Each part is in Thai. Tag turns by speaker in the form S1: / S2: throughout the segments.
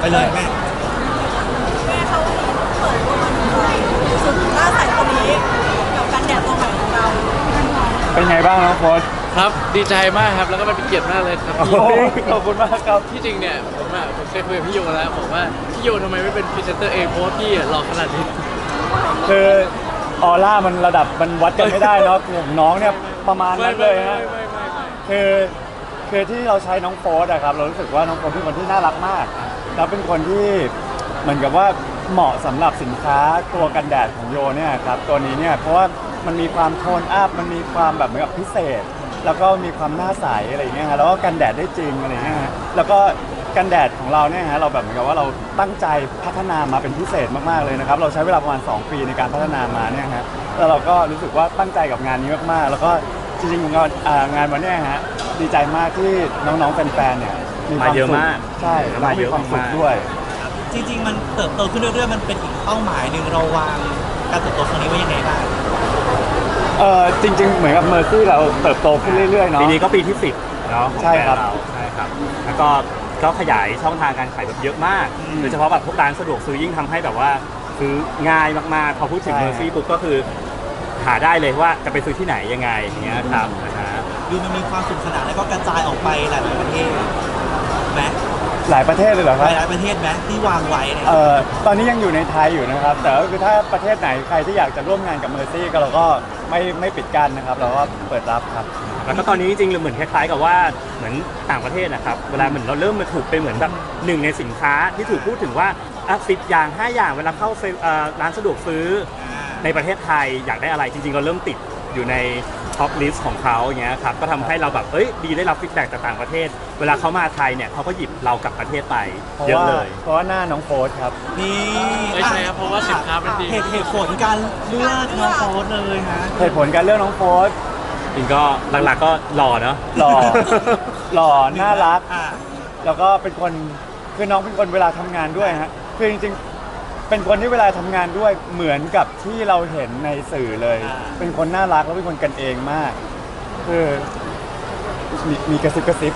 S1: เลยแม่เขาเปิดตัวสุดหน้าใสคนนี้กับกันแดดตัวใหม่ของเรา
S2: เป็นไงบ้างน้องโฟส
S3: ครับดีใจมากครับแล้วก็เป็นเกียรติมากเลยครับ
S2: ขอบคุณมากครับ
S3: ที่จริงเนี่ยผมเคยคุยกับพี่โยแล้วบอกว่าพี่โยทำไมไม่เป็นพรีเซนเตอร์เองเพราะว่าพี่หล่อขนาดนี้
S2: คือออร่ามันระดับมันวัดกันไม่ได้เนาะของน้องเนี่ยประมาณนั้นเลยฮะคือที่เราใช้น้องโฟสอะครับเรารู้สึกว่าน้องโฟสเป็นคนที่น่ารักมากแล้วเป็นคนที่เหมือนกับว่าเหมาะสำหรับสินค้าตัวกันแดดของโยเนี่ยครับตัวนี้เนี่ยเพราะว่ามันมีความโทนอัพมันมีความแบบเหมือนกับพิเศษแล้วก็มีความหน้าใสอะไรอย่างเงี้ยฮะแล้วก็กันแดดได้จริงอะไรเงี้ยฮะแล้วก็กันแดดของเราเนี่ยฮะเราแบบเหมือนกับว่าเราตั้งใจพัฒนามาเป็นพิเศษมากๆเลยนะครับเราใช้เวลาประมาณ2 ปีในการพัฒนามาเนี่ยฮะแล้วเราก็รู้สึกว่าตั้งใจกับงานนี้มากๆแล้วก็จริงๆงานวันนี้ฮะดีใจมากที่น้องๆแฟนๆเนี่ยมีความสุขใช่มาเยอะมากด้วย
S1: จริงๆมันเติบโตขึ้นเรื่อยๆมันเป็นอีกเป้าหมายหนึ่งเราวางการเติบโตครั้งนี้ไว้ยังไงบ้าง
S2: จริงๆเหมือนกับเมอร์ซี่เราเติบโตขึ้นเรื่อยๆเนาะ
S4: ปีนี้ก็ปีที่10เนาะ
S2: ใช่ครับ
S4: แล้วก็ขยายช่องทางการขายแบบเยอะมากโดยเฉพาะแบบพวกร้านสะดวกซื้อยิ่งทำให้แบบว่าซื้อง่ายมากๆพอพูดถึงเมอร์ซี่ปุ๊บก็คือหาได้เลยว่าจะไปซื้อที่ไหนยังไงอย่างเงี้ยครับ
S1: ดูมันมีความสนุกสนานแล้วก็กระจายออกไปหลายประเทศไหม
S2: หลายประเทศเลยเหรอครับ
S1: หลายประเทศไหมที่วางไว้เนี่ย
S2: ตอนนี้ยังอยู่ในไทยอยู่นะครับแต่ก็คือถ้าประเทศไหนใครที่อยากจะร่วมงานกับเมอร์ซี่ก็เราก็ไม่ปิดกั้นนะครับเราก็เปิดรับครับ
S4: แล้วก็ตอนนี้จริงๆเหมือนคล้ายๆกับว่าเหมือนต่างประเทศนะครับเวลาเหมือนเราเริ่มมาถูกไปเหมือนแบบหนึ่งในสินค้าที่ถูกพูดถึงว่า10 อย่าง 5 อย่างเวลาเข้าร้านสะดวกซื้อในประเทศไทยอยากได้อะไรจริงๆเราเริ่มติดอยู่ในท็อปลิสต์ของเขาอย่างเงี้ยครับก็ทำให้เราแบบดีได้รับฟีดแบ็กจากต่างประเทศเวลาเขามาไทยเนี่ยเขาก็หยิบเรากลับประเทศไปเยอะเลย
S2: เพราะว่าหน้าน้องโฟสครับ
S1: นี่
S3: ไม่ใช่ครับเพราะว่าสินค้าเป็นดี
S1: เหตุผลการเลือกน้องโฟสเลยฮะ
S2: เหตุผลการเลือกน้องโฟส
S4: จริงก็หลักๆก็หล่อเนาะ
S2: หล่อน่ารักแล้วก็เป็นคนคือน้องเป็นคนเวลาทำงานด้วยฮะคือจริงๆเป็นคนที่เวลาทำงานด้วยเหมือนกับที่เราเห็นในสื่อเลยเป็นคนน่ารักแล้วเป็นคนกันเองมากคือมีกระซิบ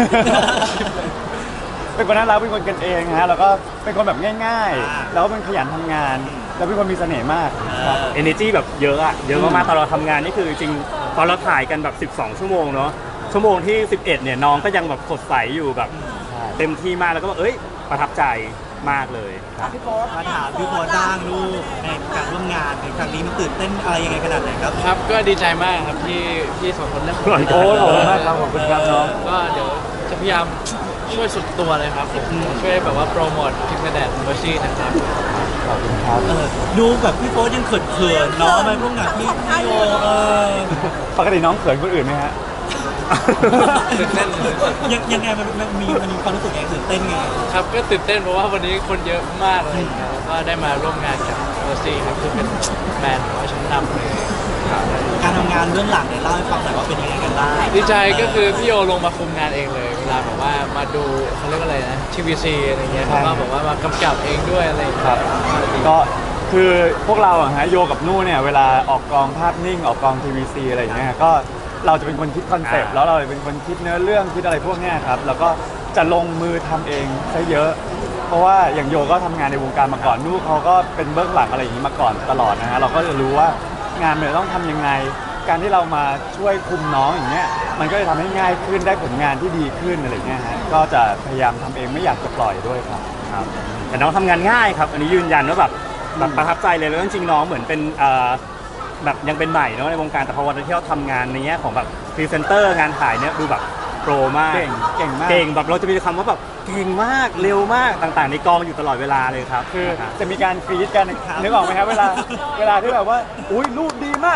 S2: เป็นคนน่ารักเป็นคนกันเองฮะแล้วก็เป็นคนแบบง่ายๆแล้วก็เป็นขยันทำงานแล้วเป็นคนมีเสน่ห์มาก
S4: ครับ energy แบบเยอะอะเยอะมากๆตอนเราทำงานนี่คือจริงตอนเราถ่ายกันแบบ12 ชั่วโมงเนาะชั่วโมงที่11เนี่ยน้องก็ยังแบบสดใสอยู่แบบเต็มที่มากแล้วก็ประทับใจมากเลย
S1: มาถามพี่โฟสบ้างลูกในการร่วมงานในครั้งนี้มันตื่นเต้นอะไรยังไงขนาดไหนครับ
S3: ครับก็ดีใจมากครับที่สองคนเลือกผม
S2: โอ้โหมากครับขอบคุณครับน้อง
S3: ก็เดี๋ยวจะพยายามช่วยสุดตัวเลยครับผมช่วยแบบว่าโปรโมทพิกแดดเมอร์ซี่นะครับ
S2: ขอบคุณครับ
S1: ดูแบบพี่โฟสยังเขินๆเนาะไปร่วมงานพี่โย
S2: ปกติน้องเขินคนอื่นไหมฮะ
S3: ตื่นเต้น
S1: ยังไงมันมีความรู้สึกยังไงตื่นเต้นไง
S3: ครับก็ตื่นเต้นเพราะว่าวันนี้คนเยอะมากเลยก็ได้มาร่วมงานกับเมอร์ซี่ครับคือเป็นแบรนด์ชั้นนำเลย
S1: การทำงานเรื่องหลังเนี่ยเล่าให้ฟังหน่อยว่าเป็นยังไงกันบ้าง
S3: ดีใจก็คือพี่โยลงมาคุมงานเองเลยเวลาแบบว่ามาดูเขาเรียกอะไรนะทีวีซีอะไรเงี้ยเขาก็บอกว่ามากำกับเองด้วยอะไร
S2: ครับก็คือพวกเราอะฮะโยกับนู่เนี่ยเวลาออกกองภาพนิ่งออกกองทีวีซีอะไรอย่างเงี้ยก็เราจะเป็นคนคิดคอนเซ็ปต์แล้วเราเป็นคนคิดเนื้อเรื่องคิดอะไรพวกนี้ครับแล้วก็จะลงมือทำเองซะเยอะเพราะว่าอย่างโยก็ทำงานในวงการมาก่อนนู่เขาก็เป็นเบื้องหลังอะไรอย่างนี้มาก่อนตลอดนะฮะเราก็จะรู้ว่างานมันต้องทำยังไงการที่เรามาช่วยคุมน้องอย่างเงี้ยมันก็จะทำให้ง่ายขึ้นได้ผลงานที่ดีขึ้นอะไรเงี้ยฮะก็จะพยายามทำเองไม่อยากจะปล่อยด้วยครับ
S4: แต่น้องทำงานง่ายครับอันนี้ยืนยันว่าแบบประทับใจเลยแล้วจริงๆน้องเหมือนเป็นแบบยังเป็นใหม่เนาะในวงการแต่พอวันที่เราทำงานในแง่ของแบบพรีเซนเตอร์งานถ่ายเนี่ยดูแบบโปรมาก
S2: เก่งมาก
S4: เก่งแบบเราจะมีคำว่าแบบเก่งมากเร็วมากต่างๆในกองอยู่ตลอดเวลาเลยครับ
S2: คือจะมีการฟีดกันนึกออกไหมครับเวลาที่แบบว่าอุ้ยรูปดีมาก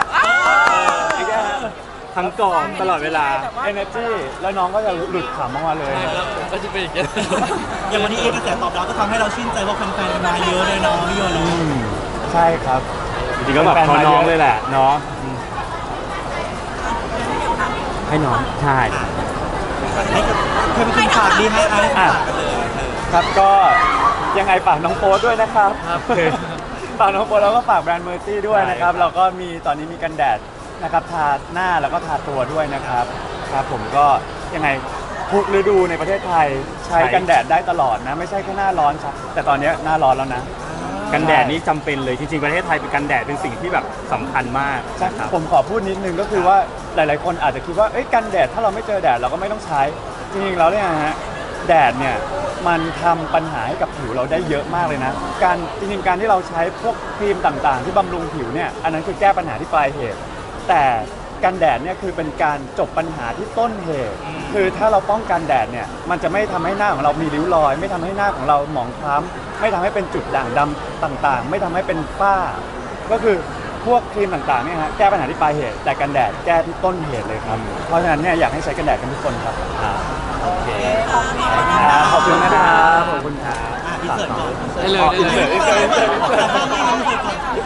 S4: ทั้งกองตลอดเวลา
S2: energy แล้วน้องก็จะหลุดขำออกมาเลย
S3: ก็จะเป็นอย่างนี้
S1: อย่างวันนี้กระแสตอบรับก็ทำให้เราชื่นใจว่าแฟนๆมาเยอะเลยน้องพี่โยน
S2: ใช่ครับ
S4: จริงๆก็แบบน้องเลยแหละเนาะให้น้องใช่
S1: ให้ฝากดีให้ฝากกันเลย
S2: ครับก็ยังไงฝากน้องโฟสด้วยนะครับฝากน้องโฟสแล้วก็ฝากแบรนด์เมอร์ซี่ด้วยนะครับเราก็มีตอนนี้มีกันแดดนะครับทาหน้าแล้วก็ทาตัวด้วยนะครับผมก็ยังไงทุกฤดูในประเทศไทยใช้กันแดดได้ตลอดนะ ไม่ใช่แค่หน้าร้อนครับแต่ตอนนี้หน้าร้อนแล้วนะ
S4: กันแดดนี่จำเป็นเลยจริงๆประเทศไทยเป็นกันแดดเป็นสิ่งที่แบบสำคัญมาก
S2: ใช่
S4: นะครับ
S2: ผมขอพูดนิดนึงก็คือว่าหลายๆคนอาจจะคิดว่าเอ้ยกันแดดถ้าเราไม่เจอแดดเราก็ไม่ต้องใช้จริงๆแล้วเนี่ยฮะแดดเนี่ยมันทำปัญหาให้กับผิวเราได้เยอะมากเลยนะการจริงๆการที่เราใช้พวกครีมต่างๆ ที่บำรุงผิวเนี่ยอันนั้นคือแก้ปัญหาที่ปลายเหตุแต่กันแดดเนี่ยคือเป็นการจบปัญหาที่ต้นเหตุ คือถ้าเราป้องกันแดดเนี่ยมันจะไม่ทำให้หน้าของเรามีริ้วรอย ไม่ทำให้หน้าของเราหมองคล้ำไม่ทำให้เป็นจุดด่างดำต่างๆ ไม่ทำให้เป็นฝ้า ก็คือพวกครีมต่างๆเนี่ยฮะแก้ปัญหาที่ปลายเหตุแต่กันแดดแก้ที่ต้นเหตุเลยครับเพราะฉะนั้นเนี่ยอยากให้ใช้กันแดดกันทุกคนครับ
S4: โอเค
S2: ขอบคุณนะครับขอบคุณครับ
S5: อินเสิร์ตก่อน
S3: ได้เลยได้เลย
S5: อินเสิร์ตก่อน